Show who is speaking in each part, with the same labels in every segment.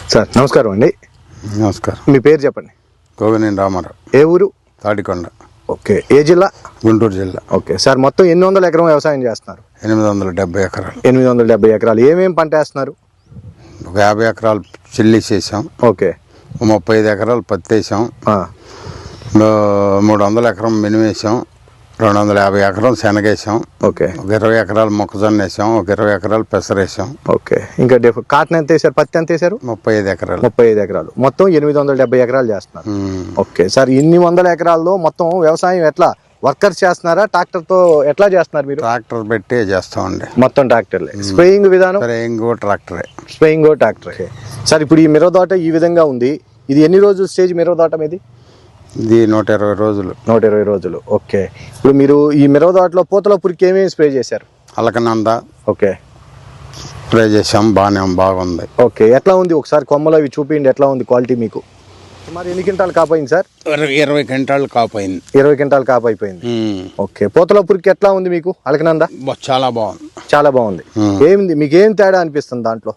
Speaker 1: Sir నమస్కారం అండి.
Speaker 2: నమస్కారం.
Speaker 1: మీ పేరు చెప్పండి.
Speaker 2: గోగినేని రామారావు.
Speaker 1: ఏ ఊరు?
Speaker 2: తాడికొండ.
Speaker 1: ఓకే. ఏ జిల్లా?
Speaker 2: గుంటూరు జిల్లా.
Speaker 1: ఓకే సార్, మొత్తం 800 ఎకరం వ్యవసాయం చేస్తున్నారు?
Speaker 2: 870 ఎకరాలు.
Speaker 1: 870 ఎకరాలు. ఏమేమి పంట వేస్తున్నారు?
Speaker 2: ఒక 50 ఎకరాలు చిల్లి చేసాం.
Speaker 1: ఓకే.
Speaker 2: 35 ఎకరాలు పత్తి వేసాం. 300 ఎకరం మినుము వేసాం. 250 ఎకరం శనగేసాం.
Speaker 1: ఓకే.
Speaker 2: ఒక 20 ఎకరాలు మొక్కజొన్న వేసాం. ఒక 20 ఎకరాలు పెసర వేసాం.
Speaker 1: ఓకే. ఇంకా కాటన్ ఎంత వేసారు? పత్తి ఎంత వేసారు?
Speaker 2: 35 ఎకరాలు.
Speaker 1: 35 ఎకరాలు. మొత్తం 870 ఎకరాలు చేస్తున్నారు. ఓకే సార్, ఇన్ని వందల ఎకరాల్లో మొత్తం వ్యవసాయం ఎట్లా వర్కర్స్ చేస్తున్నారా, ట్రాక్టర్తో ఎట్లా చేస్తున్నారు మీరు?
Speaker 2: ట్రాక్టర్ పెట్టి చేస్తామండి.
Speaker 1: మొత్తం ట్రాక్టర్లే. స్ప్రేయింగ్ విధానం?
Speaker 2: స్ప్రేయింగ్ ట్రాక్టరే.
Speaker 1: స్ప్రేయింగ్ ట్రాక్టరే. సార్, ఇప్పుడు ఈ మిరపతోట ఈ విధంగా ఉంది. ఇది ఎన్ని రోజులు స్టేజ్ మిరపతోట మీది?
Speaker 2: ఇది 120 రోజులు.
Speaker 1: 120 రోజులు. ఓకే. ఇప్పుడు మీరు ఈ మిరపతోటలో పూతల పురికి ఏమేమి స్ప్రే చేశారు?
Speaker 2: అలకనంద. ఓకే. స్ప్రే చేసాం. బాగుంది.
Speaker 1: ఓకే. ఎట్లా ఉంది? ఒకసారి కొమ్మలు అవి చూపించండి, ఎట్లా ఉంది క్వాలిటీ మీకు? మరి ఎన్ని క్వింటాలు కాపోయింది సార్?
Speaker 2: 20 క్వింటాలు కాపోయింది.
Speaker 1: 20 క్వింటాలు కాపైపోయింది. ఓకే. పూతల పురికి ఎట్లా ఉంది మీకు? అలకనంద
Speaker 2: చాలా బాగుంది.
Speaker 1: చాలా బాగుంది. ఏమింది మీకు ఏం తేడా అనిపిస్తుంది దాంట్లో?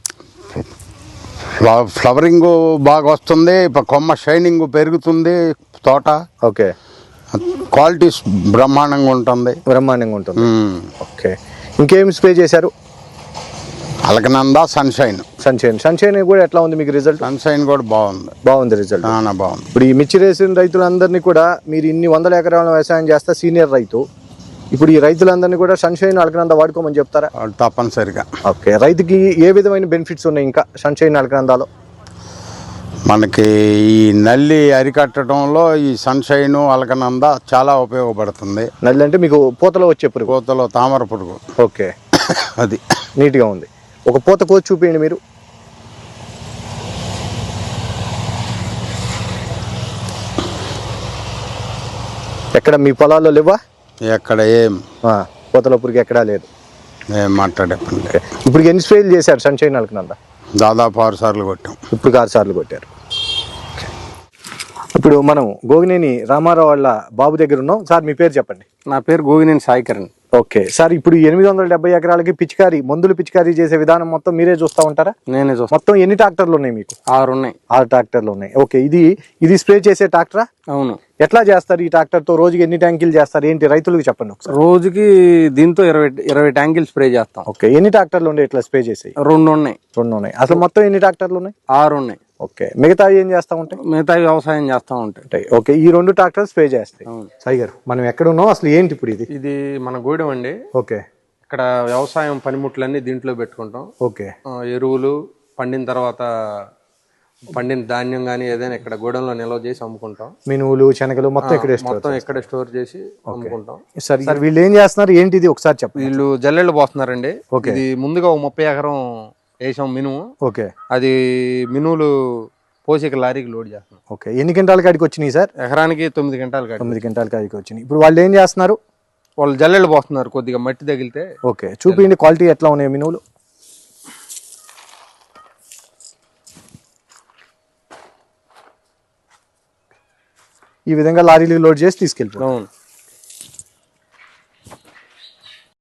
Speaker 2: ఫ్లవరింగ్ బాగా వస్తుంది. కొమ్మ షైనింగ్ పెరుగుతుంది తోట.
Speaker 1: ఓకే.
Speaker 2: క్వాలిటీ బ్రహ్మాండంగా ఉంటుంది.
Speaker 1: ఓకే. ఇంకేమి స్ప్రే చేశారు?
Speaker 2: అలకనంద, సన్షైన్
Speaker 1: కూడా ఎట్లా ఉంది మీకు రిజల్ట్?
Speaker 2: సన్షైన్ కూడా బాగుంది
Speaker 1: రిజల్ట్.
Speaker 2: బాగుంది.
Speaker 1: ఇప్పుడు ఈ మిర్చి వేసిన రైతులందరినీ కూడా, మీరు ఇన్ని వందల ఎకరాల వ్యవసాయం చేస్తా సీనియర్ రైతు, ఇప్పుడు ఈ రైతులందరినీ కూడా సన్షైన్, అలకనంద వాడుకోమని చెప్తారా?
Speaker 2: తప్పనిసరిగా.
Speaker 1: ఓకే. రైతుకి ఏ విధమైన బెనిఫిట్స్ ఉన్నాయి ఇంకా సన్షైన్, అలకనందలో?
Speaker 2: మనకి ఈ నల్లి అరికట్టడంలో ఈ సన్షైన్, అలకనంద చాలా ఉపయోగపడుతుంది.
Speaker 1: నల్లి అంటే మీకు పూతలో వచ్చే పురుగు?
Speaker 2: పూతలో తామర పురుగు.
Speaker 1: ఓకే.
Speaker 2: అది
Speaker 1: నీట్గా ఉంది. ఒక పూత కోసి చూపించండి మీరు. ఎక్కడ మీ పొలాల్లో లేవా?
Speaker 2: ఎక్కడ ఏం
Speaker 1: పూతల పురుగు ఎక్కడా లేదు.
Speaker 2: ఏం మాట్లాడేపండి.
Speaker 1: ఇప్పుడు ఎన్ని స్ప్రేలు చేశారు సన్షైన్, అలకనంద?
Speaker 2: దాదాపు 6 సార్లు కొట్టాం.
Speaker 1: ఇప్పుడు 6 సార్లు కొట్టారు. ఇప్పుడు మనం గోగినేని రామారావు వాళ్ళ బాబు దగ్గర ఉన్నాం. సార్, మీ పేరు చెప్పండి.
Speaker 3: నా పేరు గోగినేని సాయికరణ్.
Speaker 1: ఓకే సార్, ఇప్పుడు 870 ఎకరాలకి మందులు పిచికారీ చేసే విధానం మొత్తం మీరే చూస్తూ ఉంటారా?
Speaker 3: నేనే చూస్తాను.
Speaker 1: మొత్తం ఎన్ని ట్రాక్టర్లు ఉన్నాయి మీకు?
Speaker 3: 6 ఉన్నాయి.
Speaker 1: 6 ట్రాక్టర్లు ఉన్నాయి. ఓకే. ఇది స్ప్రే చేసే ట్రాక్టరా?
Speaker 3: అవును.
Speaker 1: ఎట్లా చేస్తారు ఈ ట్రాక్టర్ తో? రోజుకి ఎన్ని ట్యాంకులు చేస్తారు ఏంటి? రైతులకు చెప్పండి ఒకసారి.
Speaker 3: రోజుకి దీంతో 20 ట్యాంకులు స్ప్రే చేస్తాం.
Speaker 1: ఓకే. ఎన్ని ట్రాక్టర్లు ఉన్నాయి ఇట్లా స్ప్రే చేసి?
Speaker 3: 2 ఉన్నాయి.
Speaker 1: అసలు మొత్తం ఎన్ని ట్రాక్టర్లు ఉన్నాయి?
Speaker 3: 6 ఉన్నాయి.
Speaker 1: ఓకే. మిగతా ఏం చేస్తా ఉంటాయి?
Speaker 3: మిగతా వ్యవసాయం చేస్తా ఉంటాయి.
Speaker 1: ఓకే. ఈ 2 ట్రాక్టర్లు స్ప్రే చేస్తాయి. సాయి గారు, మనం ఎక్కడ ఉన్నాం అసలు ఏంటి ఇప్పుడు?
Speaker 3: ఇది మన గూడెం అండి.
Speaker 1: ఓకే.
Speaker 3: ఇక్కడ వ్యవసాయం పనిముట్లన్నీ దీంట్లో పెట్టుకుంటాం.
Speaker 1: ఓకే.
Speaker 3: ఎరువులు పండిన తర్వాత పండిన ధాన్యం గానీ ఏదైనా ఇక్కడ గూడెంలో నిల్వ చేసి అమ్ముకుంటాం.
Speaker 1: మినువులు, శనగలు మొత్తం
Speaker 3: ఇక్కడే స్టోర్ చేసి అమ్ముకుంటాం.
Speaker 1: సార్, వీళ్ళు ఏం చేస్తున్నారు ఏంటిది ఒకసారి చెప్పండి.
Speaker 3: వీళ్ళు జల్లెళ్ళు పోస్తున్నారండి. ఇది ముందుగా 30 ఎకరం వేసాం మినుము.
Speaker 1: ఓకే.
Speaker 3: అది మినువులు పోసి లారీకి లోడ్ చేస్తున్నాం.
Speaker 1: ఓకే. ఎన్ని క్వింటాల కాడికి వచ్చినాయి సార్?
Speaker 3: ఎకరానికి 9 క్వింటాల కాడికి.
Speaker 1: 9 క్వింటాల కాడికి వచ్చినాయి. ఇప్పుడు వాళ్ళు ఏం చేస్తున్నారు?
Speaker 3: వాళ్ళు జల్లెళ్ళు పోస్తున్నారు. కొద్దిగా మట్టి తగిలితే.
Speaker 1: ఓకే. చూపించండి క్వాలిటీ ఎట్లా ఉన్నాయి మినువులు. ఈ విధంగా లారీలు లోడ్ చేసి తీసుకెళ్ళిపోతాం.